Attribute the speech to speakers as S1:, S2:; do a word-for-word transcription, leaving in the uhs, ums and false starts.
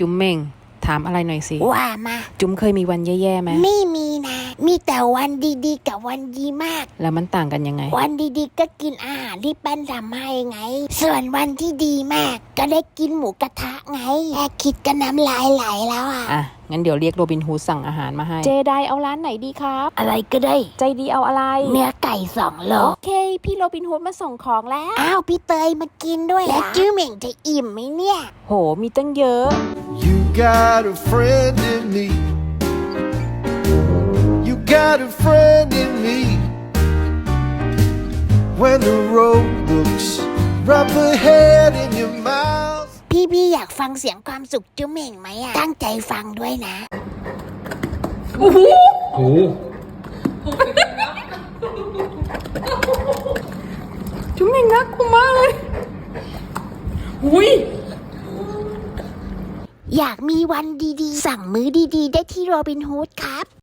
S1: จุ๋มเม่งถามอะไรหน่อยสิ
S2: ว่ามา
S1: จุ๋มเคยมีวันแย่ๆไหม
S2: ไม่มีนะมีแต่วันดีๆกับวันดีมาก
S1: แล้วมันต่างกันยังไง
S2: วันดีๆก็กินอาหารที่แป้นทำให้ไงส่วนวันที่ดีมากก็ได้กินหมูกระทะไงแค่คิดก็น้ำลายไหลแล้วอ่ะ
S1: อ่ะงั้นเดี๋ยวเรียกโรบินฮูดสั่งอาหารมาให้เจไดเอาร้านไหนดีครับ
S2: อะไรก็ได้
S1: ใจดีเอาอะไร
S2: เนื้อไก่สองโล
S1: โอเคพี่โรบินฮูดมาส่งของแล้ว
S2: อ้าวพี่เตยมากินด้วยแล้วจื้อเหม่งจะอิ่มไหมเนี่ย
S1: โหมีตั้งเยอะ
S3: You got a friend in me You got a friend in me When the road looks rough ahead in your mouth
S2: พี่พี่อยากฟังเสียงความสุขจื้อเหม่งไหมอ่ะตั้งใจฟังด้วยนะ
S4: โอ้โหโอ้จุ๊มเองน่ากลัวมากเลยอุ้ย
S2: อยากมีวันดีๆสั่งมื้อดีๆได้ที่โรบินฮูดครับ